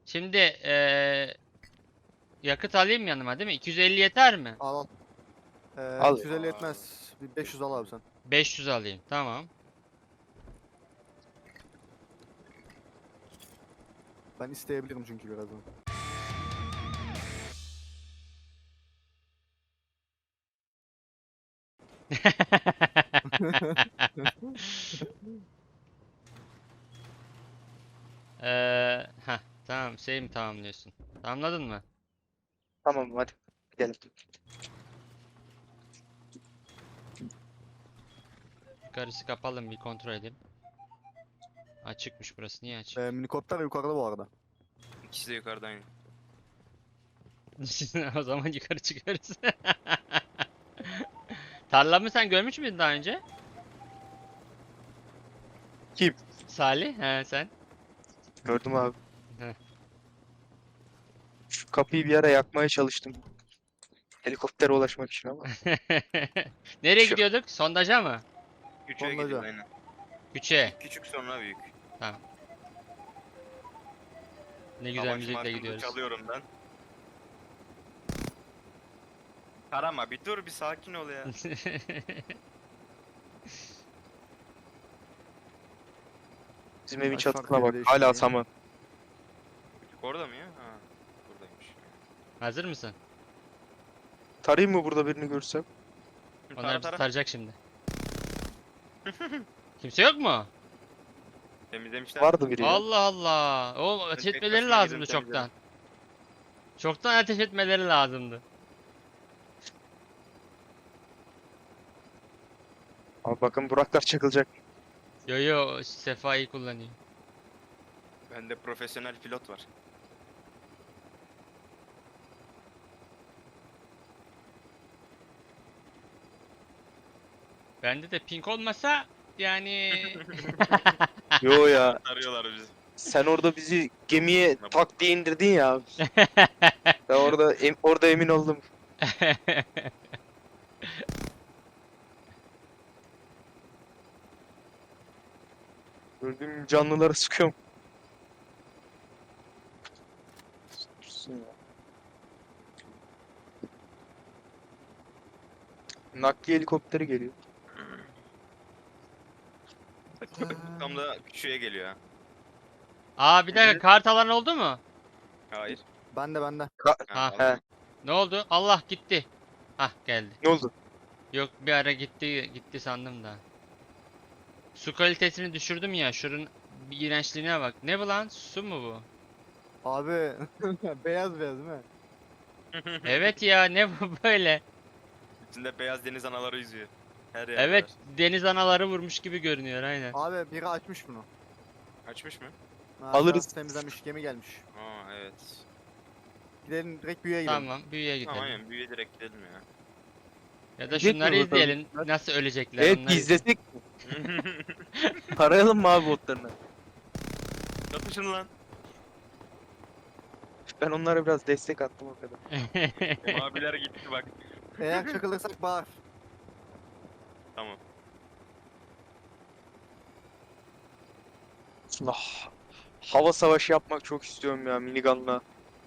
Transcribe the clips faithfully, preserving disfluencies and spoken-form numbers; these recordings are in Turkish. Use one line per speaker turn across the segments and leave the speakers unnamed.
Şimdi eee yakıt alayım yanıma değil mi? iki yüz elli yeter mi?
Al al. Ee,
Al.
iki yüz elli yetmez. Bir beş yüz al abi sen.
beş yüz alayım. Tamam.
Ben isteyebilirim çünkü birazdan.
Eee heh, tamam şey mi tamamlıyorsun? Tamamladın mı?
Tamam hadi gidelim.
Yukarısı kapalı mı bir kontrol edeyim. Açıkmış burası. Niye açık?
Ee, minikopter yukarıda bu arada.
İkisi de yukarıda aynı.
O zaman yukarı çıkarız. Tarlamı sen görmüş müydün daha önce?
Kim?
Salih, he sen.
Gördüm abi.
Heh.
Şu kapıyı bir ara yakmaya çalıştım. Helikoptere ulaşmak için ama.
Nereye
Şu-
gidiyorduk? Sondaja mı?
Küçüğe
Ondan
gidiyor
önce.
aynen.
Küçüğe.
Küçük sonra büyük.
Ne güzel
Savaş
müzikle
marşını
gidiyoruz.
çalıyorum ben. Karama bir dur bir sakin ol ya.
Bizim evin
Kaç
çatısına
farklı
bak.
evde
Hala
yaşıyor ya?
saman.
Küçük orada mı ya? Ha, buradaymış.
Hazır mısın?
Tarayayım mı burada birini görsem?
Onlar
Tara
bizi
tara.
tarayacak şimdi. Kimse yok mu?
Temizlemişler.
Vardı biri ya.
Allah Allah. O ateş
tek
etmeleri
başıma
lazımdı
girdim,
çoktan. Çoktan ateş etmeleri lazımdı.
Abi bakın Buraklar çakılacak.
Yo yo Sefa'yı kullanıyor.
Bende profesyonel pilot var.
Bende de pink olmasa yani
Yo ya.
Arıyorlar bizi.
Sen orada bizi gemiye tak diye indirdin ya abi. Ben orada em- orada emin oldum. Gördüğüm canlıları sıkıyorum. Dursun ya. Nakliye helikopteri geliyor.
Tam da küçüğe geliyor ha.
Aa bir dakika kart alan oldu mu?
Hayır.
Ben de ben de.
Ha,
Ha.
He.
aldım.
Ne oldu? Allah gitti. Hah geldi.
Ne oldu?
Yok bir ara gitti gitti sandım da. Su kalitesini düşürdüm ya. Şunun bir iğrençliğine bak. Ne bu lan? Su mu bu?
Abi beyaz beyaz değil mi?
Evet ya ne bu böyle?
İçinde beyaz deniz anaları yüzüyor. Her yer
Evet
var.
deniz anaları vurmuş gibi görünüyor aynen.
Abi biri açmış bunu.
Açmış mı?
Ha,
Alırız.
biraz temizlenmiş gemi gelmiş.
Aa evet.
Gidelim direkt büyüye gidelim.
Tamam büyüye gidelim.
Tamam aynen büyüye direkt gidelim ya.
Ya da
Gitmiyor
şunları
bakalım.
izleyelim. Nasıl ölecekler
Evet
onları.
izlesek mi? Tarayalım mı abi botlarını?
Yapışın lan.
Ben onlara biraz destek attım o kadar.
Maviler gitti bak.
Eğer çakılırsak bağır.
Tamam.
Ah, hava savaşı yapmak çok istiyorum ya minigunla.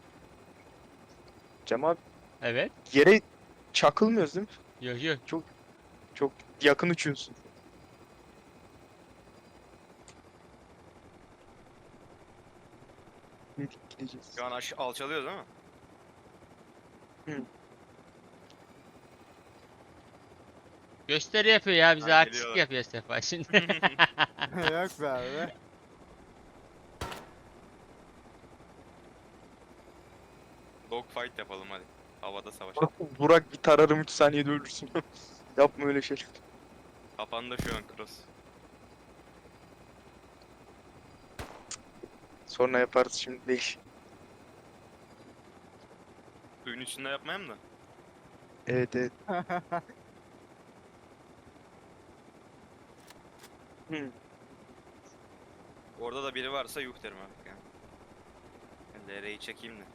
Cem abi
Evet.
yere çakılmıyoruz değil mi?
Yok yok.
Çok yakın uçuyorsun. Gittik gideceğiz.
Şu an aş alçalıyoruz ama.
Gösteri yapıyor ya bize
Ha,
artistik
geliyorlar.
yapıyor Sefa şimdi.
Yok be abi.
Dogfight yapalım hadi. Havada savaş.
Burak, Burak bir tararım üç saniyede ölürsün. Yapma öyle şey.
Kafanda şu an cross.
Sonra yaparız şimdi değil.
Suyun içinde yapmayayım da.
Evet evet. Hı.
Orada da biri varsa yuh derim artık yani. Ben L R'yi çekeyim de.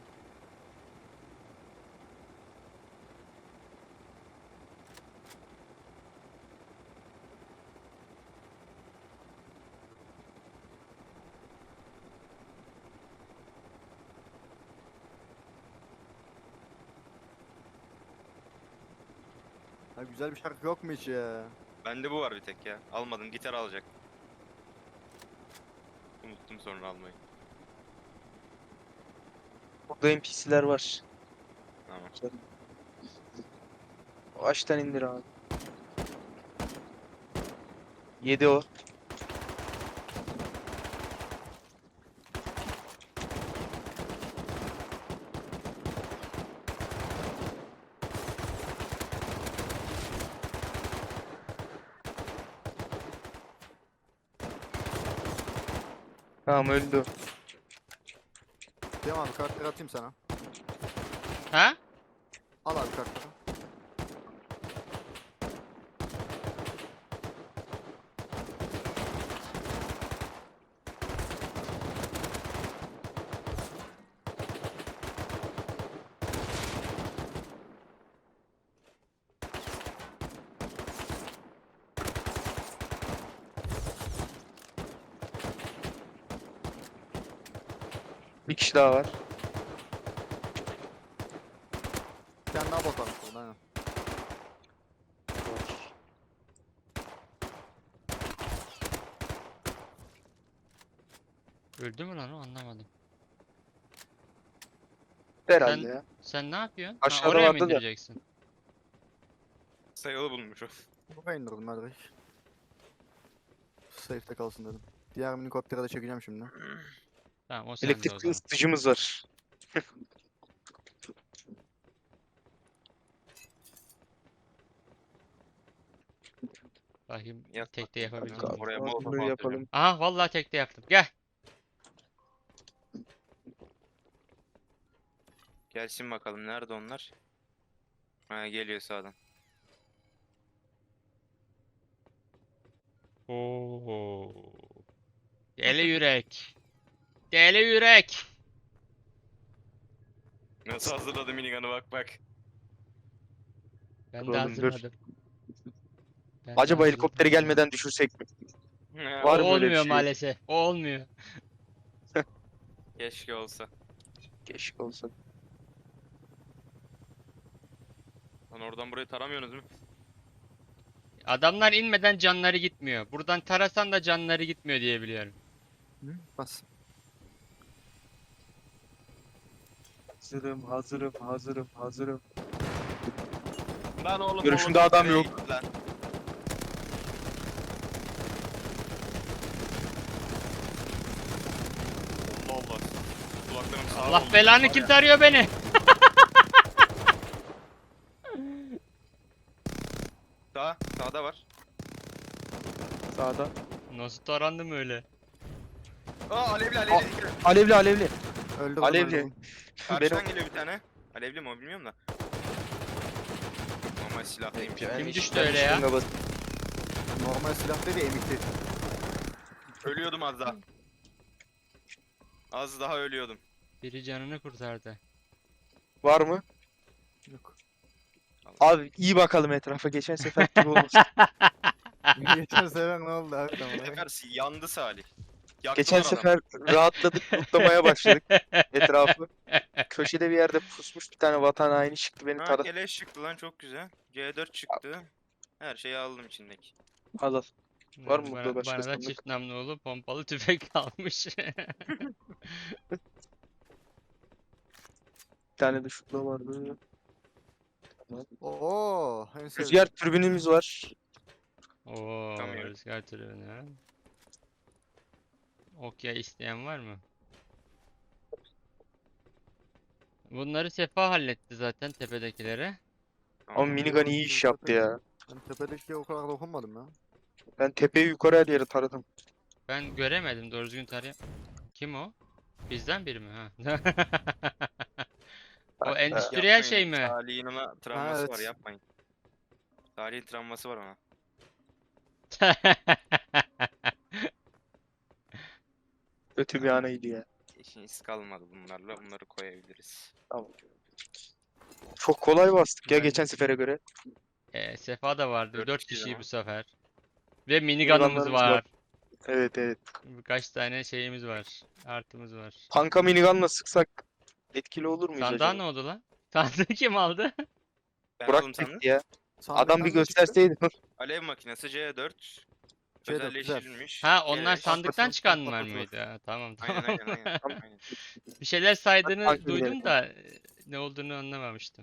Ha, güzel bir şarkı yok mu hiç ya?
Bende bu var bir tek ya. Almadım, gitar alacak. Unuttum sonra almayı.
Burada N P C'ler var.
Tamam.
Ağaçtan indir abi. Yedi o. Tamam öldü.
Tamam abi kartları atayım sana.
Ha?
Al abi kartları.
Bir kişi daha var.
Bir tane daha bot varmış burada aynen.
Öldü mü lan o, anlamadım.
Herhalde
Sen-
ya.
Sen ne yapıyorsun?
Aşağıda
ha, oraya mı
vardı da.
indireceksin?
Sayılı bulmuş o.
Buraya indirdim ben direkt. Safe'de kalsın dedim. Diğer minikopteri de çekeceğim şimdi.
Tamam, o sende o
Elektrikli
zaman.
ısıtıcımız var.
Bakayım
Yap
tekte yapabildim
bakalım.
mi?
Oraya
Tamam,
molotof
bunu
atacağım.
yapalım.
Aha vallahi tekte yaptım. Gel.
Gelsin bakalım, nerede onlar? Ha, geliyor sağdan.
Oo. Deli yürek. Deli yürek.
Nasıl hazırladı minigun'ı, bak bak.
Ben
Dur
de
oğlum, dur.
hazırladım. Ben de
Acaba
hazırladım.
helikopteri gelmeden düşürsek mi?
Ha,
Var
O
mı öyle bir
olmuyor
şey?
maalesef. O olmuyor.
Keşke olsa.
Keşke olsa.
Lan oradan burayı taramıyorsunuz mu?
Adamlar inmeden canları gitmiyor. Buradan tarasan da canları gitmiyor diye biliyorum.
Hı? Bas.
Hazırım, hazırım, hazırım, hazırım.
Lan oğlum,
Görüşümde
molotof
adam
nereye
yok.
gitti lan? Allah Allah. Kulaklarım sağ
Allah
oldu.
belanı,
Var
kim
ya.
tarıyor beni?
Sağ, sağda var.
Sağda.
Nasıl tarandım öyle?
Aa, alevli alevli.
Alevli, alevli.
Öldürdüm
Alevli.
öldürdüm.
Karşıdan
Benim-
geliyor bir tane. Alevli mi o, bilmiyorum da. Ama silahlıymış.
Yani
Kim
işte
düştü öyle ya?
şununla bas-
Normal silah değil de emikli.
Ölüyordum az daha. Az daha ölüyordum.
Biri canını kurtardı.
Var mı?
Yok.
Abi iyi bakalım etrafa. Geçen sefer gibi olmuş.
Geçen sefer ne oldu abi
Bu
tamam.
sefer yandı Salih. Yaktılar
Geçen
adamı.
sefer rahatladık, mutlamaya başladık etrafı. Köşede bir yerde pusmuş bir tane vatan haini çıktı beni
Ha,
taradı.
keleş çıktı lan, çok güzel. C dört çıktı. Her şeyi aldım içindeki.
Al al. Var mı
Bana,
burada başka
bana da
sandık?
çift namlulu pompalı tüfek kalmış.
Bir tane de şutla vardı.
Oo, en sevdiğim.
Rüzgar türbinimiz var.
Oo,
Tamam.
rüzgar türbünü ha. Okya isteyen var mı? Bunları Sefa halletti zaten, tepedekilere.
Ama minigun iyi iş yaptı ya.
Ben tepedeki o kadar dokunmadım ya.
Ben tepeyi yukarı her yere taradım.
Ben göremedim doğru düzgün tarayam. Kim o? Bizden biri mi ha? O
Bak,
endüstriyel şey mi?
Salih'in ona travması
evet.
var, yapmayın. Salih'in travması var ona.
Kötü bir anıydı ya.
İşiniz kalmadı bunlarla, bunları koyabiliriz.
Tamam. Çok kolay bastık ya
Ben-
geçen sefere göre.
Ee, Sefa da vardı.
Dört
Dört
kişiyiz
kişi
ama.
bu sefer. Ve minigun'ımız
Minigunlarımız var.
var.
Evet evet.
Birkaç tane şeyimiz var. Artımız var.
Tanka minigunla sıksak etkili olur muyuz
Sandığa
acaba?
ne oldu lan? Sandığı kim aldı?
Ben
Burak
aldım sandım.
çekti ya.
Sandıktan
Adam bir
ne çıktı?
gösterseydi.
Alev makinesi C dört.
C dört, güzel.
Özelleştirilmiş.
Ha onlar
Keleş.
sandıktan
patlatılır,
çıkanlar
patlatılır.
mıydı? Ha, tamam
Aynen
tamam.
aynen aynen. aynen.
Bir şeyler saydığını
Takip
duydum
edelim.
da e, ne olduğunu anlamamıştım.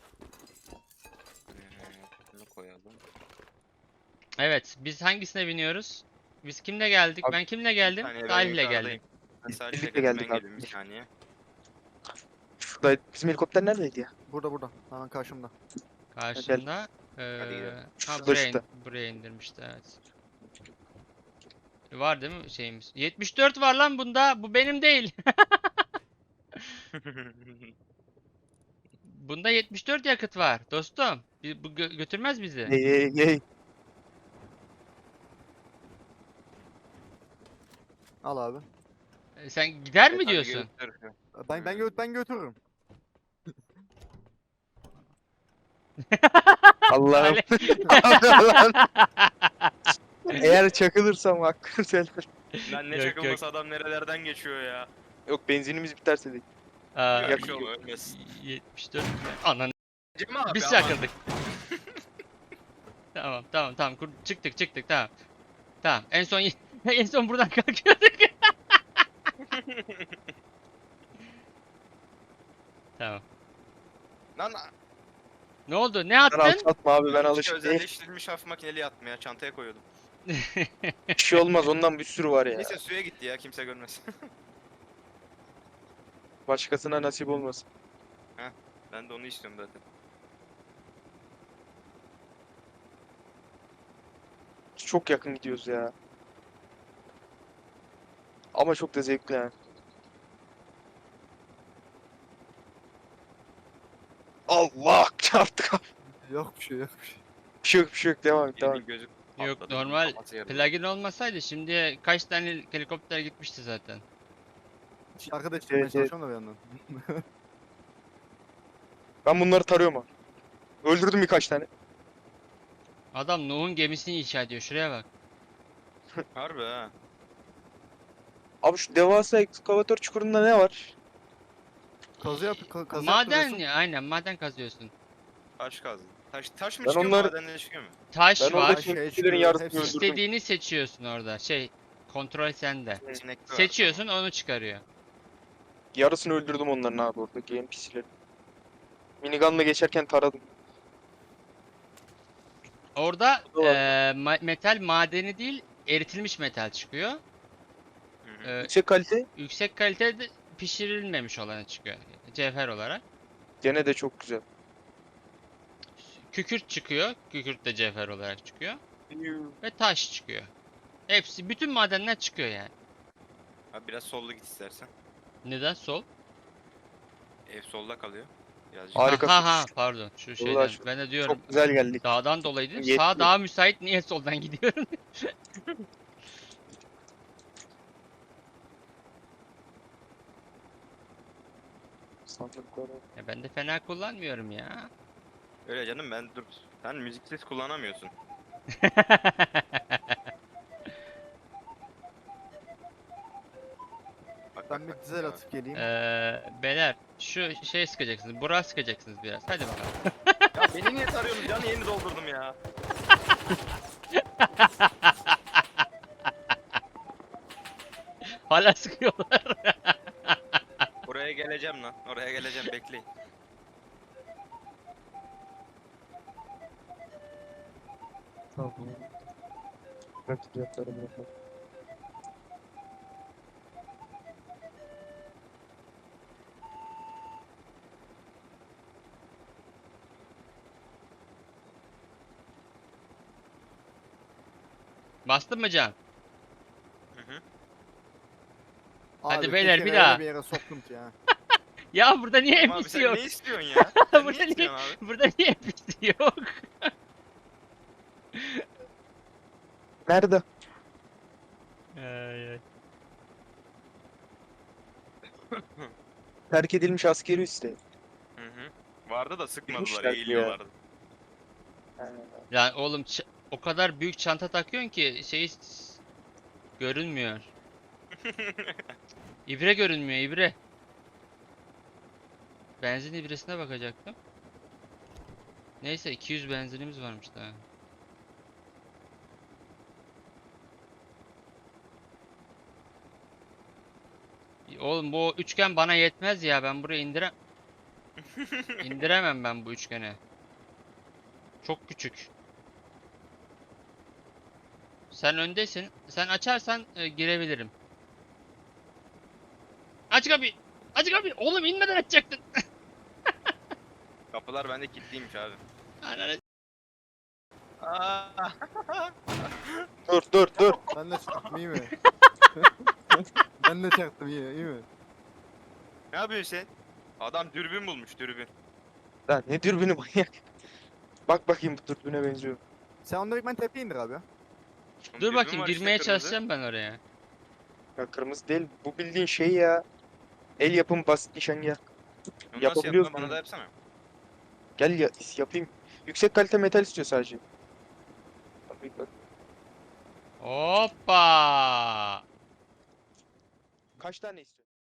Ee, Bunu koyalım.
Evet, biz hangisine biniyoruz? Biz kimle geldik?
Abi,
Ben kimle
Bir
geldim?
saniye ben
Salih'le
yukarıdayım.
geldim.
Ben
Biz
Salih'le
birlikte
geldim,
geldik
ben
abi.
geliyorum bir saniye.
Şurada bizim helikopter neredeydi ya?
Burada burada. Hemen karşımda.
Karşımda
Hadi
eee
gidelim.
ha
Şurada,
buraya,
şurada.
in- buraya indirmişti evet. Var değil mi şeyimiz? yetmiş dört var lan bunda. Bu benim değil. Bunda yetmiş dört yakıt var dostum. Bi- Bu gö- götürmez bizi.
Ye ye ye.
Al abi.
E, Sen gider mi
Evet, hadi
diyorsun?
götür.
Ben ben gö ben götürürüm.
Allah'ım.
Salih.
Allah'ım. Eğer çakılırsam hakkını söyler.
Lan ne
Yok,
çakılması adam nerelerden geçiyor ya.
Yok benzinimiz biterse de.
Aa,
Yok,
Yak-
bir şey olmaz, ölmez.
yetmiş dört. Anan.
Cem abi
Biz
aman.
çakıldık. Tamam tamam tamam kur- çıktık çıktık tamam. Tamam en son en son buradan kalkıyorduk. Tamam.
Lan
Ne oldu? Ne
Ben
attın?
alçaltma abi ben
işte
alışık değilim.
özelleştirilmiş hafif makineli yatmaya çantaya koyuyordum.
Bir şey olmaz ondan bir sürü var ya.
Neyse suya gitti ya kimse görmez.
Başkasına nasip olmasın.
Ben de onu istiyorum zaten.
Çok yakın gidiyoruz ya. Ama çok da zevkli yani. Allah çarptık abi.
Yok bir şey yok bir şey.
Bir şey yok bir şey yok devam et devam et.
Birinin gözü
Yok
patladı,
normal
kafası yarıldı.
plugin olmasaydı şimdi kaç tane helikopter gitmişti zaten.
Arkadaş çıkmaya
Evet, evet.
çalışıyorum da bir yandan.
Ben bunları tarıyorum abi. Öldürdüm birkaç tane.
Adam Nuh'un gemisini inşa ediyor. Şuraya bak.
Harbi ha.
Abi şu devasa ekskavatör çukurunda ne var?
Kazı yap ka- kazı
Maden
yaptırıyorsun.
ya aynen maden kazıyorsun.
Taş kazdı. Taş, taş mı
Ben
çıkıyor
onları-
madenden çıkıyor mu?
Taş
Ben
var.
oradaki
Şey
NPC'lerin
çıkıyor,
yarısını
hepsi-
öldürdüm.
İstediğini seçiyorsun orada. Şey kontrol sende.
Sinek var,
Seçiyorsun onu çıkarıyor.
Yarısını öldürdüm onların abi oradaki N P C'lerin. Minigun'la geçerken taradım.
Orada
O da var.
eee, ma- metal madeni değil eritilmiş metal çıkıyor.
Hı hı.
Eee,
Yüksek kalite
yüksek kalitede pişirilmemiş olanı çıkıyor. Cevher olarak.
gene de çok güzel.
Kükürt çıkıyor. Kükürt de cevher olarak çıkıyor. Ve taş çıkıyor. Hepsi bütün madenler çıkıyor yani.
Abi biraz sollu git istersen.
Neden sol?
Ev solda kalıyor. Birazcık.
Harika.
Ha ha ha, pardon şu şeyden.
Uğraş-
Ben de diyorum
Çok güzel geldik.
dağdan dolayı değil. Sağ
Yetmiyor.
daha müsait niye soldan gidiyorum?
Sandıklara.
Ya ben de fena kullanmıyorum ya.
Öyle canım ben dur. Sen müziksiz kullanamıyorsun. Bak,
Ben
bak,
bir
bak,
dizel
bak.
atıp geleyim.
Eee beyler şu şey sıkacaksınız. Burak sıkacaksınız biraz. Hadi bakalım.
Ya beni niye tarıyorsunuz? Canı yeni doldurdum ya.
Hala sıkıyorlar.
Oraya geleceğim lan. Oraya geleceğim bekleyin.
Tamam. Bırak fiyatları bırak.
Bastın mı Can?
Hı hı.
Hadi
Abi,
beyler,
tekeri
bir
öyle
daha.
Bir yere soktum ki ya.
Ya burada niye
Ama abi
N P C
sen
yok?
ne istiyorsun ya? Sen
Burada
ne
niye-
istiyorsun abi?
Burada niye N P C yok?
Nerede?
Ay, ay.
Terk edilmiş askeri üste.
Hı hı. Vardı da sıkmadılar,
Bilmişler
eğiliyorlardı.
Lan oğlum ç- o kadar büyük çanta takıyorsun ki şey s- görünmüyor. İbre görünmüyor ibre. Benzin ibresine bakacaktım. Neyse iki yüz benzinimiz varmış daha. Oğlum bu üçgen bana yetmez ya. Ben buraya indire indiremem ben bu üçgeni. Çok küçük. Sen öndesin. Sen açarsan e, girebilirim. Aç kapıyı. Aç kapıyı. Oğlum inmeden açacaktın.
Kapılar bende kilitliymiş abi.
Ananı-
Aa!
Dur dur dur.
Ben de çaktım iyi mi? Ben de çaktım iyi, iyi mi?
Ne yapıyorsun sen? Adam dürbün bulmuş dürbün.
Lan ne dürbünü manyak. Bak bakayım bu dürbüne benziyor.
Sen onu direkt ben tepeye indir abi.
Oğlum
Dur
dürbün
bakayım
var işte
girmeye
kırmızı.
çalışacağım ben oraya.
Ya kırmızı değil. Bu bildiğin şey ya. El yapım basit nişangah.
Onu nasıl
Yapabiliyorsun
yaptın? Bana
yani.
da yapsana.
Gel ya yapayım. Yüksek kalite metal istiyor sadece. Bak, bak, bak.
Hoppa!
Kaç tane istiyor?